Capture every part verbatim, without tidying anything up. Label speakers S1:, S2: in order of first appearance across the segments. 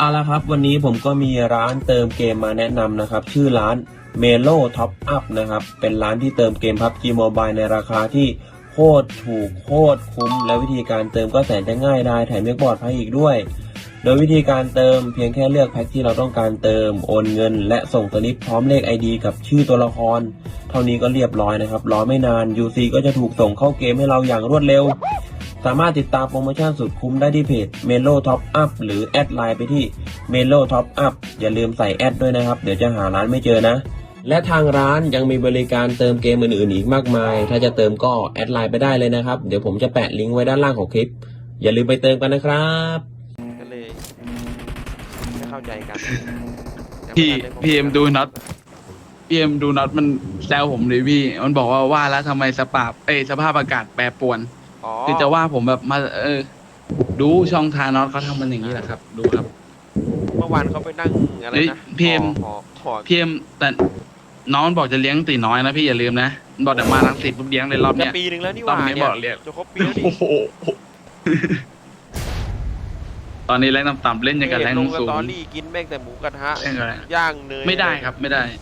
S1: เอาละครับวันนี้ผมก็มีร้านเติมเกมมาแนะนำนะครับชื่อร้าน Melo Top Up นะครับเป็นร้านที่เติมเกม พับจี Mobile ในราคาที่โคตรถูกโคตรคุ้มและวิธีการเติมก็แสนจะง่ายได้แถมยังปลอดภัยอีกด้วยโดยวิธีการเติมเพียงแค่เลือกแพ็คที่เราต้องการเติมโอนเงินและส่งสลิปพร้อมเลข ไอ ดี กับชื่อตัวละครเท่านี้ก็เรียบร้อยนะครับรอไม่นาน ยู ซี ก็จะถูกส่งเข้าเกมให้เราอย่างรวดเร็วสามารถติดตามโปรโมชั่นสุดคุ้มได้ที่เพจ Melo Top Up หรือแอดไลน์ไปที่ Melo Top Up อย่าลืมใส่แอดด้วยนะครับเดี๋ยวจะหาร้านไม่เจอนะและทางร้านยังมีบริการเติมเกมอื่นๆอีกมากมายถ้าจะเติมก็แอดไลน์ไปได้เลยนะครับเดี๋ยวผมจะแปะลิงก์ไว้ด้านล่างของคลิปอย่าลืมไปเติมกันนะครับ
S2: ก็เลยไม่เข้าใจกัน
S3: พี่พีเอ็มดูน็อตพีเอ็มดูน็อตมันแซวผมเลยพี่มันบอกว่าว่าแล้วทำไมสภาพเอ้สภาพอากาศแปรปรวนคือจะว่าผมแบบมาเออดูช่องทาน็อตเขาทำมันอย่างนี้แหละครับดูครับ
S2: เมื่อวานเขาไปนั่งอะไรนะ
S3: พีเอ็มพีเอ็มแต่น้องบอกจะเลี้ยงตีน้อยนะพี่อย่าลืมนะบอกเดี๋ยวมาลังสิตปุ๊บเลี้ยงเลยรอบเนี้ย
S2: ปีหนึ่งแล้วนี่หว่าเนี่ยจะครบปีแล้วดิ
S3: ตอนนี้แรงต่ำๆเล่นอย่างกับแรงสูง
S2: ตอนนี้กินแม่งแต่หมูกระทะย่างเนย
S3: ไม่ได้ครับไม่ได้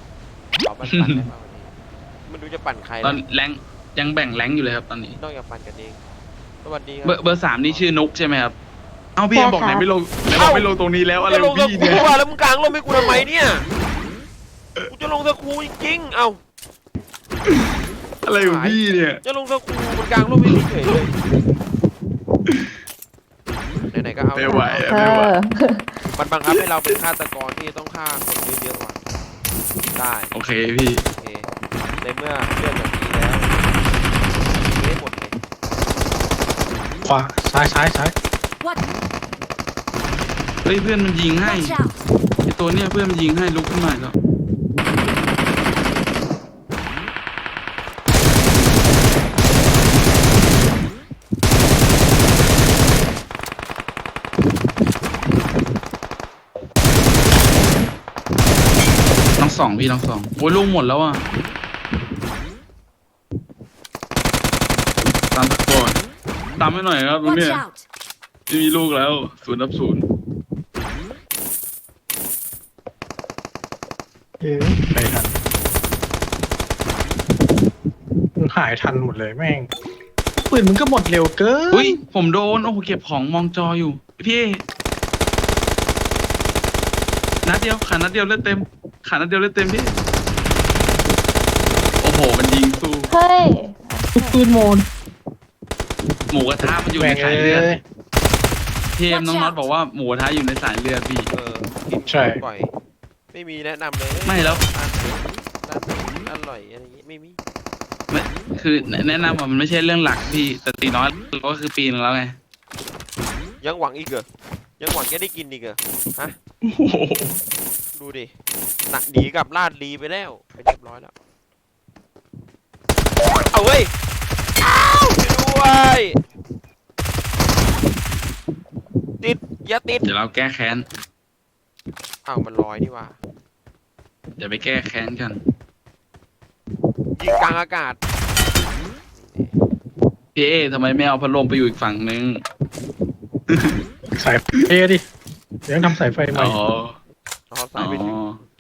S2: มันดูจะปั่นใคร
S3: ตอนแรงยังแบ่งแรงอยู่เลยครับตอนนี้
S2: ต้องอย่าปั่นกันเองสวัสดี
S3: เบอร์เบอร์สามนี่ชื่อนุกใช่ไหมครับเอาพี่บอกไหนไม่ลงไหนบอกไม่ลงตรงนี้แล้วอะไรพี่เนี่ย
S2: แล้วมึงกลางลงไม่กูทำไมเนี่ยกูจะลงสกูจริงๆเอ้า
S3: อะไรของพี่เนี่ย
S2: จะลงสกูมันกลางลงไม่เฉยเลยไหนๆก็เอา
S3: ไม่ไหวไม่ไหว
S2: มันบังคับให้เราเป็นฆาตกรที่ต้องฆ่าคนเยอะๆว่ะได้
S3: โอเคพี่
S2: โอเคในเมื่อเลือดแบบนี้แล้วไม่หมดเลย
S4: ขวาซ้ายซ้ายซ้าย
S3: เฮ้ยเพื่อนมันยิงให้ไอตัวเนี้ยเพื่อนมันยิงให้ลุกขึ้นมาแล้วน้องสองพี่น้องสองโอ้ยลูกหมดแล้วอ่ะตามตะโกนตามให้หน่อยครับตรงนี้ไม่มีลูกแล้วศูนย์นับศูนย์
S4: เอ๊ะไปทันมันหายทันหมดเลยแม่งปืนมันก็หมดเร็วเกิน
S3: อุ้ยผมโดนโอ้โหเก็บของมองจออยู่พี่นัดเดียวขานัดเดียวเลือดเต็มขานัดเดียวเลือดเต็มพี่โอ้โหมันยิงสู้
S5: เฮ้ย
S4: ปืนโมน
S3: หมูกระทะมันอยู่ในสายเลือดเทมน้องน็อตบอกว่าหมูกระทะอยู่ในสายเลือดพี่
S2: เออกินใช่บ่อยไม่มีแนะนำเลย
S3: ไม่แล้ว
S2: อร่อยอะไรอย่างงี้ไม่มี
S3: ไม่คือแนะนำว่ามันไม่ใช่เรื่องหลักพี่แต่ตีน้อยก็คือปีนึงแล้วไง
S2: ยังหวังอีกเหรอยังหวังจะได้กินอีกเหรอฮะดูดิหนักดีกับลาดลีไปแล้วไปเรียบร้อยแล้วเอาเว้ยอ้าวด้วยติดอย่าติด
S3: เดี๋ยวเราแก้แค้น
S2: อ้าวมันลอยนี่ว่า
S3: เดี๋ยวไปแก้แค้นกัน
S2: ยิงกลางอากาศ
S3: พี่เอทำไมไม่เอาพัดลมไปอยู่อีกฝั่งนึง
S4: สายเอดิเดี๋ยวทำสายไฟใหม่
S3: อ๋อ
S2: อ๋อสายไปถึง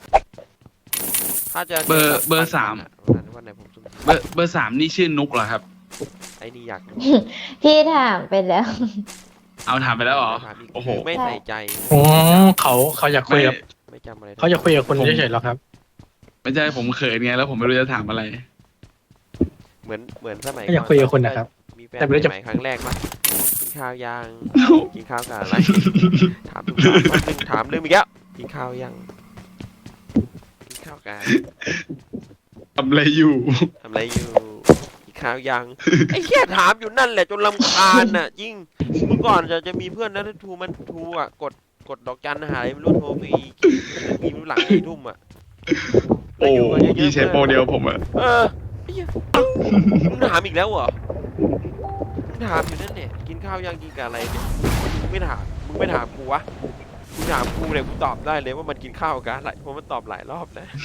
S2: ถ้าจะ
S3: เบอร์เบอร์สามเบอร์เบอร์สามนี่ชื่อนุกเหรอครับ
S2: ไอ้นี่อยาก
S5: พี่ถามไปแล้ว
S3: เอาถามไปแล้วเหรอ
S2: โอ้โหไม่ใส่ใจ
S4: อ๋อเขาเขาอยากคุยกับ
S2: ไม่จำอะไร
S4: เขาอยากคุยกับคนเฉยๆหรอครับ
S3: ไม่ใช่ผมเขินไงแล้วผมไม่รู้จะถามอะไร
S2: เหมือนเหมือนสมัย
S4: อยากคุยกับคนนะครับ
S2: มีแฟนใหม่ครั้งแรกมั้ยกินข้าวยังกินข้าวกับอะไรถามทุกครั้งถามเรื่องอีกแล้วกินข้าวยังกินข้าวกัน
S3: ทำอะไรอยู่
S2: ทำอะไรอยู่กินข้าวยังไอ้แค่ถามอยู่นั่นแหละจนรำคาญน่ะจริงเมื่อก่อนจะจะมีเพื่อนนะทูมันทูอ่ะกดกดดอกจันหายไม่รู้โทรไปมีรู้หลังสี่ทุ่มอ่ะ
S3: โอ้พี่ใช้โปรเดียวผมอ่ะ
S2: เออมึงถามอีกแล้วเหรอมึงถามอยู่นั่นเนี่ยกินข้าวยังกินกับอะไรเนี่ยมึงไม่ถามมึงไม่ถามกูวะมึงถามกูเนี่ยกูตอบได้เลยว่ามันกินข้าวกันอะไรเพราะมันตอบหลายรอบนะ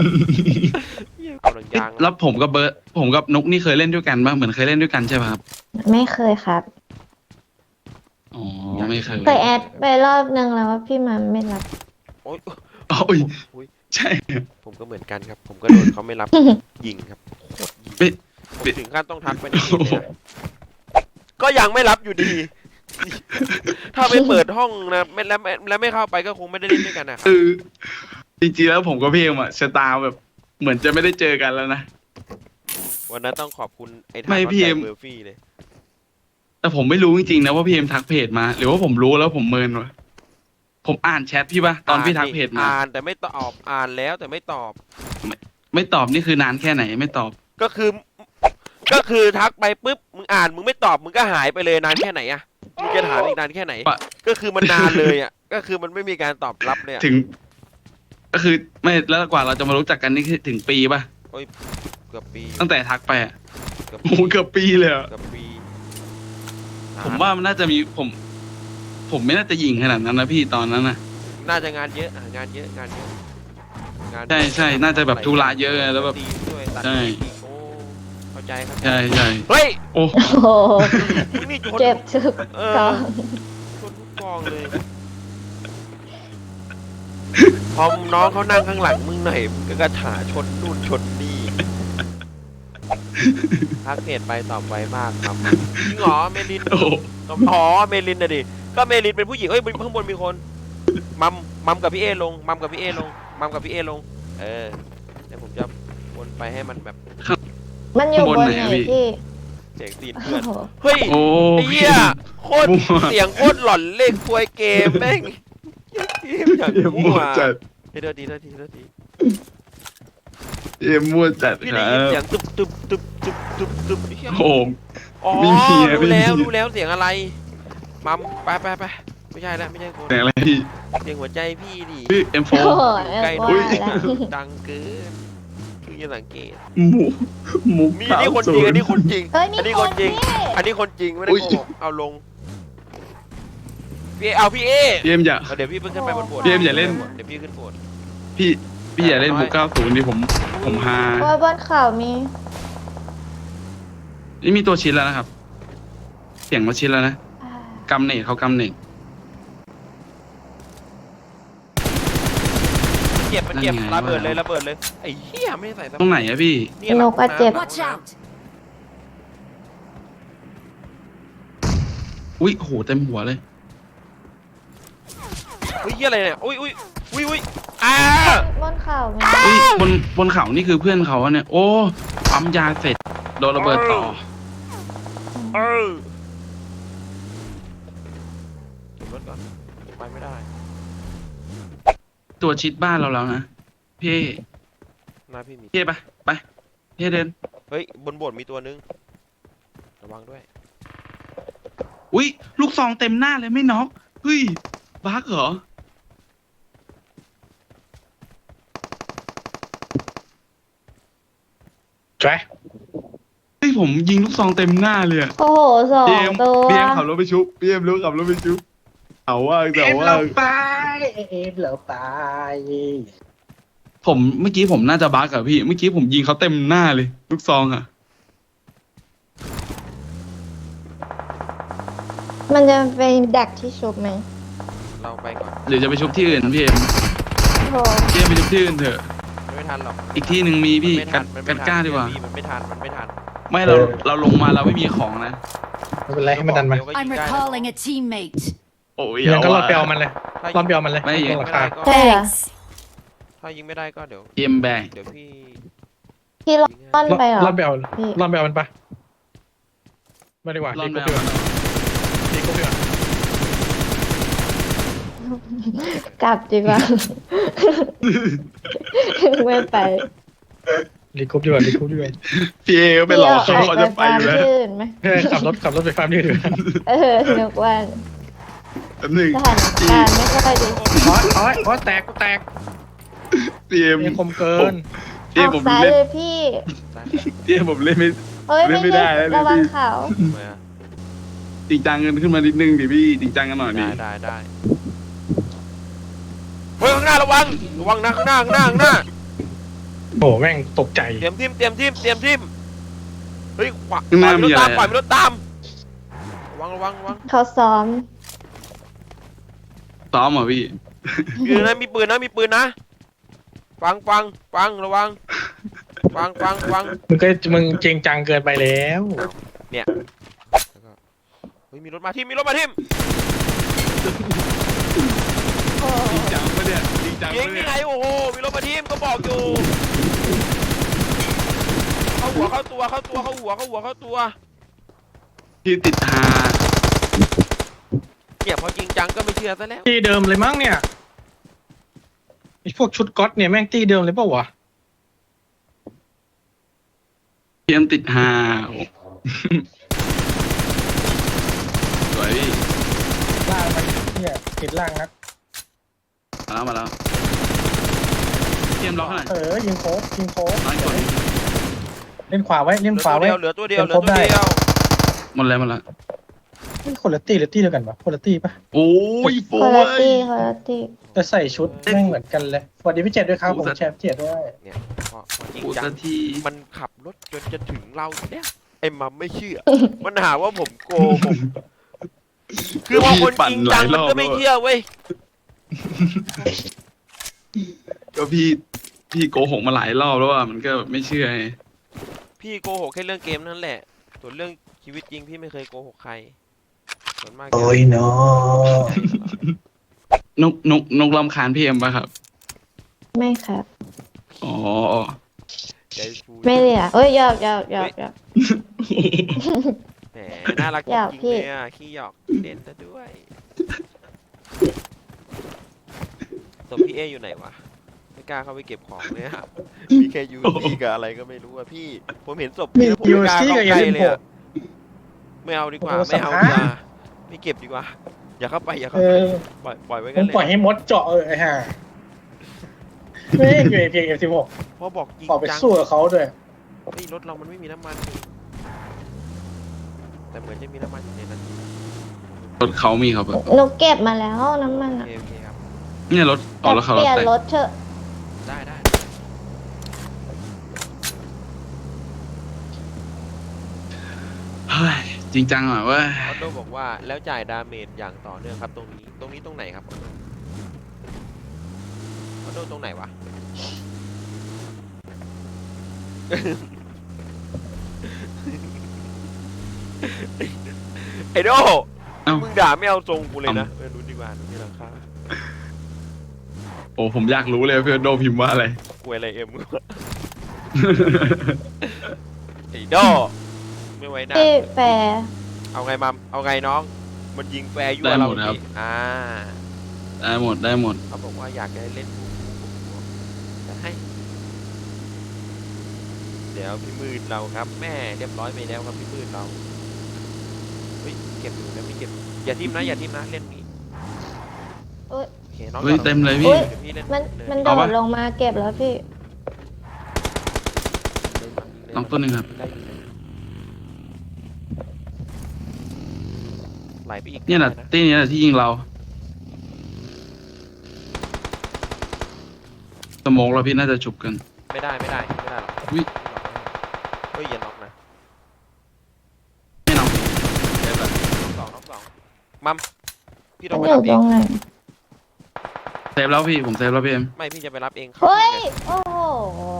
S3: แล้วผมกับเบิร์ดผมกับนุกนี่เคยเล่นด้วยกันบ้างเหมือนเคยเล่นด้วยกันใช่ไหมครับ
S5: ไม่เคยครับ
S3: อ๋อไม่เคย
S5: เคยแอดไปรอบนึงแล้วว่าพี่มันไม่รับ
S2: โอ๊ย
S3: อ๋ออุ้ย
S2: อุ๊ย
S3: ใช่
S2: ผมก็เหมือนกันครับ ผมก็โดนเขาไม่รับ ยิงครับโคตรยิง
S3: ไม่
S2: ผมถึงขั้นต้องทักไปในเพจเลยนะก็ยังไม่รับอยู่ดี ถ้าไม่เปิดห้องนะไม่แล้วไม่แล้วไม่เข้าไปก็คงไม่ได้เล่นด้วยกันนะครั
S3: คื
S2: บ
S3: อจริงๆแล้วผมกับพี่เอ็มอะชะตาแบบ เหมือนจะไม่ได้เจอกันแล้วนะ
S2: วันนั้นต้องขอบคุณไอ้ทา
S3: ไม่
S2: ง
S3: พี่เอ็ม
S2: เบอร์ฟี่เลย
S3: แต่ผมไม่รู้จริงๆนะว่าพี่เอ็มทักเพจมา หรือว่าผมรู้แล้วผมเมินวะผมอ่านแชทพี่ปะตอนพี่ทักเพจมา
S2: อ่านแต่ไม่ตอบอ่านแล้วแต่ไม่ตอบ
S3: ไม่ตอบนี่คือนานแค่ไหนไม่ตอบ
S2: ก็คือ ก็คือทักไปปุ๊บมึงอ่านมึงไม่ตอบมึงก็หายไปเลยนานแค่ไหนอะมึงจะถามอีกนานแค่ไหน
S3: ปะ
S2: ก็คือมันนานเลยอะก็คือมันไม่มีการตอบรับเลยอะ
S3: ถึง ก็คือไม่แล้วกว่าเราจะมารู้จักกันนี่คือถึงปีปะ
S2: เกือบปี
S3: ตั้งแต่ทักไปอะ
S2: เกือบ
S3: โอ้โหเกือบปีเลยอะ
S2: เกือบปี
S3: ผมว่ามันน่าจะมีผม ผมไม่น่าจะยิงขนาดนั้นนะพี่ตอนนั้นนะ
S2: น่าจะงานเยอะอ่ะงานเยอะงานเยอะงาน
S3: ใช่ใช่น่าจะแบบธุระเยอะไงแล้วแบบ
S2: ตีด้วยตัด
S3: ใช่
S2: อีกโอ้เข้าใจครับ
S3: ใช่ใช่
S2: เฮ้ย
S3: โอ้
S5: โอ้โห
S2: มึงนี่ชน
S5: เจ็บทุก
S2: เอ
S5: ต
S2: อ
S5: อน
S2: ชนทุกกองเลย พอน้องเขานั่งข้างหลังมึงหน่อยมึงก็กระถาชนนู่นชนนี่ทักเพจไปตอบไวมากครับจริงเหรอเมลิน
S3: โอ้โห
S2: อ๋อเมลินนะดิก็เมลินเป็นผู้หญิงเอ้ยข้างบนมีคนมัมมัมกับพี่เอลงมัมกับพี่เอลงมัมกับพี่เอลง เออเดี๋ยวผมจะวนไปให้มันแบบ
S5: มันอยู่บน
S3: บนไหน
S5: ไหน
S3: อะพี่
S5: พี่
S2: เสียงตีน
S5: โอ้
S2: เพื่อน
S5: โห
S2: เฮ้ย
S3: โอ้
S2: ไอ้เหี้ยโคตร
S3: มั่ว
S2: เสียงโคตรหลอนเลขควยเกมแม่งเกมอย่าง
S3: เอ็ม
S2: มั่
S3: มั่
S2: ว
S3: วจัด
S2: เฮ้ยเดี๋ยวดีเดี๋ยวดีเดี๋ยวดี
S3: เอ็มมั่วจัด
S2: พี่
S3: ค
S2: ได้
S3: รั
S2: ยินเสีย
S3: บ
S2: งตึบตึบตึบตึบตึบตึบไอ้เหี้ย
S3: โอ้โห
S2: อ๋อ
S3: ไม่มีอะ
S2: รู้แล้ว
S3: ไม่มี
S2: รู้แล้วเสียงอะไรมัมไปไปไปไม่ใช่แล้วไม่ใช่คน
S3: แต่อะไรพี่
S2: เสียงหัวใจพี่ดิ
S3: พี่เอ็มโฟ
S5: โอ้โห
S2: ใกล้
S5: ว่า
S2: ด้วย
S5: แล้ว
S2: ดังเกินคือจะสังเกต
S3: หมูหมู
S2: มีนี่คนจริงอันนี้คนจริง
S5: เฮ้ยมี
S2: อันนี้
S5: ค
S2: คน นจริง
S5: พี่
S2: อันนี้คนจริงไม่ได้
S3: อุ๊ย
S2: โกหกเอาลงพี่เอเอาพี่เอ
S3: พี่เอ็มอย่า
S2: เอาเดี๋ยวพี่เพิ่งขึ้นไปบนโบสถ์
S3: พี่เอ็มอย่าเล่น
S2: เดี๋ยวพี่ขึ้นโบสถ์
S3: พี่พี่อย่าเล่นมุกเก้าศูนย์ดิผม ผมฮา
S5: ว่าบนเขามี
S3: นี่มีตัวชิ้นแล้วนะครับ เสียงมาชิ้นแล้วนะ
S5: อ่าก
S3: ำเนิดเขากำเนิด
S2: เจ็บมันเจ็บ
S3: นั่นไง
S2: ระเบิดเลยระเบิดเลยไอ้เหี้ยไม่ได้ใส่ส
S3: ตรงไหนอะพี่
S2: เนี่ยหลัง
S5: นกอะเจ็บ
S2: หลัง
S6: Watch out!
S3: อุ้ยโหเต็มหัวเลย
S2: เฮ้ยเหี้ยอะไรเนี่ยอุ้ยอุ้ยอุ้ยอุ้ยอ้า
S5: บนเขามี
S3: อุ้ยบนบนเขานี่คือเพื่อนเขาอะเนี่ย โอ้ปั๊มยาเสร็จโดนระเบิดต่อ
S2: เออเก็บรถก่อนไปไม่ได้
S3: ตัวชิดบ้านเราแล้วนะพี่
S2: หน้าพี่มี
S3: พี่ไปไปพี่เดิน
S2: เฮ้ยบนโบสถ์มีตัวนึงระวังด้วย
S3: อุ้ยลูกซองเต็มหน้าเลยไม่น็อกเฮ้ยบั๊กเหรอ
S4: ใช่
S3: เฮ้ยผมยิงลูกซองเต็มหน้าเลยอะ
S5: โอ้โหสอง
S3: พี่เอ็ม
S5: ตัว
S3: พี่เอ็มขับรถไปชุบพี่เอ็มรู้ขับรถไปชุบเอาว่าแต่ว่า
S4: เอ็มเราไป
S3: ผมเมื่อกี้ผมน่าจะบั๊กอะพี่ เมื่อกี้ผมยิงเขาเต็มหน้าเลย ลูกซองอะ
S5: มันจะเป็นดักที่ชุบไหม
S2: เราไปก่อน
S3: หรือจะไปชุบที่อื่นพี่เอ็ม
S5: โอ้โห
S3: พี่เอ็มไปชุบที่อื่นเถอะ
S2: ไม่ทันหรอก
S3: อีกที่หนึ่งมีพี่
S2: มันไม่
S3: กั
S2: ทั
S3: ด
S2: นมัน
S3: กั
S2: ไม่
S3: ด
S2: ทัน
S3: กล้าดีกว่า
S2: พี่มันไม่ทันมันไม่ทัน
S3: ไม่เราเราลงมาเราไม่มีของนะ
S4: ไม่เป็นไรให้มันดันมา
S2: เดี๋ยวก็
S6: I'm
S2: ยิงได้
S6: recalling a teammate.
S3: โอ้ย
S4: ยังก็รอ
S3: เา
S4: ดไปเอามันเลย
S2: ถ้าร
S4: อดไปเอามันเลย
S3: ไม่
S2: ยิ
S3: ยิ
S2: ง
S3: ง
S2: ไม่ได้ก็
S5: ใช่เหรอ
S6: Thanks.
S2: ถ้ายิงไม่ได้ก็เดี๋ยว
S3: พี่เอ็มแบง
S2: เดี๋ยวพี่
S5: พี่ล่อนไปเหรอ
S4: รอดไปเอา
S5: พี่
S4: รอดไปเอามันปะไม่ดีกว่า
S3: ลอ
S4: ดี
S3: น
S4: กู
S3: แบ
S4: เดือด
S3: บ
S4: ดีกูเดือด
S5: กลับดีกว่า ไม่ไป
S4: ดีกูเดือดดีกูเดือด
S3: พี่เอก็ไปหลอกเขาเขาจะไปอยู่แล้ว
S5: ฟาร์มที่อื่นไหม
S4: เฮ้ยขับรถขับรถไปฟาร์มนี่เดือด
S5: เออนึกว่า
S3: แป๊บหนึง
S5: สถานการณ์ไม่ค่อยดี
S4: โอ้ยโอ้ยโอ้ยแตกกูแตก
S3: พี่เอ็ม
S4: นี่คมเกิน
S3: พี่
S5: อ
S3: เอ็ม
S5: อก
S3: ผม
S5: ซ้าย
S3: เล่น
S5: เลยพี่
S3: พี่เอ็มผมเล่นไม่
S5: เฮ้ย
S3: เล่
S5: ไม่
S3: นไม่ได้
S5: ได้
S3: แล้ว
S5: ระวัง
S3: พี่
S5: เขา
S2: มา
S3: จริงจังกันขึ้นมานิดนึงดิพี่จริงจังกันหน่อยดิ
S2: ได้ได้ได้เฮ้ยข้างหน้าระวังระวังนะข้างหน้าข้างหน้าข้างหน้า
S4: โอ้แม่งตกใจ
S2: เตรียมทิมเตรียมทิมเตรียมทิมเฮ้ยขวา
S3: ข้างหน้ามี
S2: ปล่อยรถ
S3: อะไร
S2: ตามปล่อย
S3: อะ
S2: รถตามระวังระวังระวัง
S5: เขาซ้อม
S3: ซ้อมเหรอพี่
S2: มีปืนนะมีปืนนะมีปืนนะฟังฟังฟังระวังฟังฟังฟัง
S4: มึงก็มึงจริงจังเกินไปแล้ว
S2: เนี่ยแล้วก็เฮ้ยมีรถมาทิมมีรถมาทิม
S3: จริงจังปะเนี่ยจริงจัง
S2: ยิง
S3: ปะ
S2: นี่
S3: เนี่ย
S2: ไงโอ้โหมีรถมาทิมก็บอกอยู่เข้าหัวเข้าตัวเข้าตัวเข้าหัวเข้าหัวเข้าตัว
S3: ที่ติดหา
S2: เนี่ยพอจริงจังก็ไม่เชื่อซะแล้ว
S4: ตีเดิมเลยมั้งเนี่ยไอพวกชุดก๊อตเนี่ยแม่งตีเดิมเลยเปล่าวะ
S3: พีเอ็มติดหาสวยพี่
S4: ล่างมันเนี่ยติดล่างนะ
S3: มาแล้วมาแล้วพีเอ็มล็อกหน่อย
S4: เออยิงโค้งยิงโค้ง
S3: น้อยกว่า
S4: เล่นขวาไว้เล่น
S2: เหลือ
S4: ขวา
S2: ตัว
S4: ไว้
S2: เดียวเหลือตัวเดียวเหลือตัว
S4: เป็นครบได้
S2: เดียว
S3: หมดแล้วหมดแล้ว
S4: เฮ้ยคนละตีหรือตีเดียวกันปะคนละตีปะ
S3: โอ้ยโป้
S5: คนละ
S3: ย
S5: ตี้คนละตี้
S4: แต่ใส่ชุดแม่งเหมือนกันเลยสวัสดีพี่เจดด้วยครับ
S3: โอ้
S4: ผม
S3: สัตว์
S4: แชมป์เจดด้วย
S2: เนี่ยพอพอจริง
S3: ปู
S2: จั
S3: สั
S2: ง
S3: กที
S2: มันขับรถจนจะถึงเราเนี่ยไอ้มัมไม่เชื่อ มันหาว่าผมโกหกคือพอคนจริงจังมันก็ไม่เชื่อเว้ย
S3: ก็พี่พี่โกหกมาหลายรอบแล้วว่ามันก็ไม่เชื่อไง
S2: พี่โกหกแค่เรื่องเกมนั่นแหละ ส่วนเรื่องชีวิตจริงพี่ไม่เคยโกหกใครส่วนมากจะ
S4: โอ้ยเนาะ
S3: นกนกนกรำคาญพี่เอ็มป่ะครับ
S5: ไม่ครับ
S3: อ๋อ
S2: ใจฟู
S5: ไม่เลยอ่ะเอ้ยหยอกหยอกหยอกหยอก
S2: แหมน่ารักจ
S5: อยาก
S2: ริง
S5: พี่
S2: ๆเลยอ่ะขี้หยอกเด่นซะด้วยตัวพี่เออยู่ไหนวะไม่กล้าเข้าไปเก็บของเลยอะมีแค่ยูซี่กับอะไรก็ไม่รู้อะพี่ ผมเห็นศพพี่แล้วผมไม่กล้าเข้าใกล้เลยอะไม่เอาดีกว่าไม่เอาดีกว่าไม่เก็บดีกว่า อย่าเข้าไปอย่าเข้า
S4: เอ
S2: ไป
S4: อ
S2: ปล่อยปล่อยไว้
S4: ผ
S2: กัน
S4: ม
S2: เลย
S4: ปล่อยให้มดเจาะเออไอ้ห่าไม่เอยู่เพียงเอฟสิบหก
S2: พอบอกจริง
S4: ออกไป
S2: จัง
S4: สู้กับเขาด้วย
S2: เฮ้ยรถเรามันไม่มีน้ำมันนี่แต่เหมือนจะมีน้ำมันอยู่ในนั้น
S3: รถเขามีครับแบบ
S5: หนูเก็บมาแล้วน้ำมัน
S2: โอ
S5: อ่ะ
S2: เคโอเคครับ
S3: เนี่ยรถออกแล้วเขา
S5: เป
S3: รถ
S5: ลี่ยน
S3: แต่ง
S5: รถเถอะ
S2: ได้ได้
S3: เฮ้ยจริงจังอ่ะเว้ย
S2: ออโต้บอกว่าแล้วจ่ายดาเมจอย่างต่อเนื่องครับตรงนี้ตรงนี้ตรงไหนครับออโต้ออโต้ตรงไหนวะ ไอ้โด
S3: เอ้า
S2: มึงด่าไม่เอาทรงกูเลยนะเออรู้ดีกว่าดูนี่ราคา
S3: โอ้ผมอยากรู้เลยเพื่อนโดพิมพ์ว่าอะไร
S2: กูอะไรเอ็มกูไอ้โดไม่ไว้หน้า
S5: พี่แฟร์
S2: เอาไงมัมเอาไงน้อง มันยิงแฟร์ยั่ว
S3: ได้
S2: เรา
S3: หมดครับ
S2: ดิอ่า
S3: ได้หมดได้หมด
S2: เขาบอกว่าอยากจะเล่นบูบูบูบูจะให้ เดี๋ยวพี่มืดเราครับ แม่เรียบร้อยไปแล้วครับพี่มืดเราเฮ้ยเก็บอยู่นะไม่เก็บอย่าทิมนะอย่าทิมนะเล่นนี้
S5: เอ้ย
S2: โอเคน้อง
S3: เฮ้ย
S2: ต่อ
S3: เต็มเลย
S5: อุ๊
S3: พี่
S5: ย
S2: เดี๋ยวพี่เล่น
S5: มัน
S2: เลย
S5: มันโด
S3: เอา
S5: ด
S3: ปะ
S5: ลงมาเก็บแล้วพี่
S2: เลยมัมยิเลย
S3: น้องตัวหนึ่งครับ
S2: ได้อยู่เลยไหลไปอีก
S3: เนี่ยแหละ
S2: ได้
S3: ตีเนี่ยแหละที่ยิงเราสโมองเราพี่น่าจะฉุบกัน
S2: ไม่ได้ไม่ได้ไม่ได้หรอก
S3: อุ๊ย
S2: เฮ้ยอย่าน็อกนะ
S3: ไม่น้องได้ปะ
S2: น็อกสองน็อกสองมัมพี่ต้
S5: มั
S2: อน งไป
S5: อ
S2: รับเอง
S5: ยู่ตรงไหน
S3: เซฟแล้วพี่ผมเซฟแล้วพี่เอ็ม
S2: ไม่พี่จะไปรับเองครับ
S5: เฮ้ย
S2: นี่ไง
S5: โอ้โห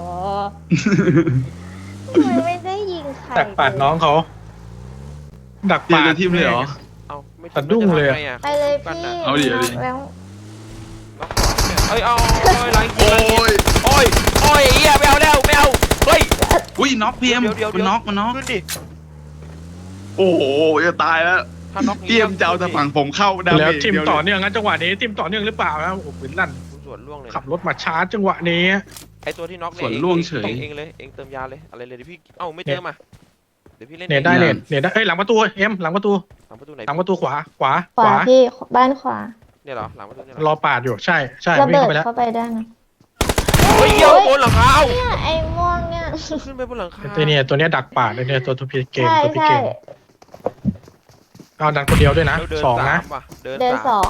S5: ทำไมไม่ได้ยิงใคร
S4: ดักปาดน้องเขาดัก
S3: เปลี่ย
S4: ปาน ด
S3: ทีมเลยเหรอ
S2: เอาไม่
S4: สะดุ้งเลยอะ
S2: จะทำไง
S5: ไปเลย
S2: กัน
S5: พี่
S2: น่ะ
S3: เอาดิเอาดิ
S5: แล้ว
S2: น็อกสองเนี่ยเอ้ยเอาโอ้ยหลังยิง
S3: โอ้
S2: หลังยิง
S3: ย
S2: โอ้ยโอ้ยไอ้เหี้ยไม่เอาแล้วไม่เอาเฮ้ย
S3: อุ้ยน็อกพี่เอ็ม
S2: เดี๋ยวเดี๋ยว
S3: มันน็อกมันน็อก
S2: ขึ้นดิ
S3: โอ้โหจะตายแล้ว
S2: ถ้าน็อก
S3: พี่เอ็มจะเอาแต่ฝั่งผมเข้าดาเม
S4: แล้ว
S3: จ
S4: ทีม
S3: เดียว
S4: ต่อ
S3: เลย
S4: เนื่องงั้นจังหวะนี้ทีมต่อเนื่องหรือเปล่านะโอ้โหปืนลั่น
S2: กูสวนล่วงเลยนะ
S4: ขับรถมาชาร์จจังหวะนี้
S2: ไอตัวที่น็อกเนี่ย
S3: ส่วน
S2: เอง
S3: ล่วงเฉย
S2: เองเองเลยเองเติมยาเลยอะไรเลยเดี๋ยวพี่เอ้าไม่เติมอ่ะเดี๋ยวพี่เล่น
S4: เน็ตได้
S2: อง
S4: เน็ตเน็ตได้เอ้ยหลังประตูเอ็มหลังประตู
S2: หลังประตูไหน
S4: หลังประตูขวาขวา
S5: ขวาว
S4: ขา
S5: พี่บ้านขวา
S2: เนี่ยเหรอหลังประตูเนี่ยเห
S4: ร
S2: รอ
S4: อปาดอยู่ใช่ใช่
S5: ระ
S4: วิ่ง
S5: เบิด
S4: เข้าไปแล้ว
S5: เข้าไปได้นะ
S2: เฮ้ยเหี้ยบนหลังคาเอ้า
S5: เนี่ยไอ้ม่วงเนี่ย
S2: ขึ้นไปบนหลังคา
S4: ตัวเนี้ยตัวเนี้ยดักปาดเลยเนี่ยตัวตัวพีเกม
S5: ใช่
S4: ตัวพี
S5: ใช่
S4: เกมเอาดันคนเดียวด้วยนะ
S2: แล้วเดิน
S4: สอง
S2: สา
S4: นะ
S2: มว่ะเดิน
S5: เดิน
S2: สาม
S5: สอง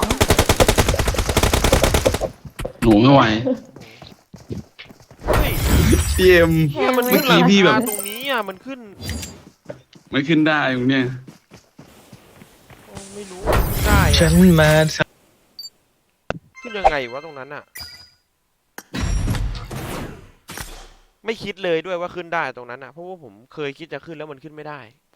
S3: หนูไม่ไหว
S2: เฮ้ย
S3: พี่เอ็ม
S2: เนี่ยมัน
S3: เมื่
S2: ขึ้
S3: อน
S2: หลัง
S3: กี้พี่แบบ
S2: คาตรงนี้อ่ะมันขึ้น
S3: ไม่ขึ้นได้ตรงเนี้ย
S2: โอ้ไม่รู้ขึ้นได้
S4: ฉั
S2: อะ
S4: นมา
S2: ขึ้นยังไงวะตรงนั้นอะไม่คิดเลยด้วยว่าขึ้นได้ตรงนั้นอะเพราะว่าผมเคยคิดจะขึ้นแล้วมันขึ้นไม่ได้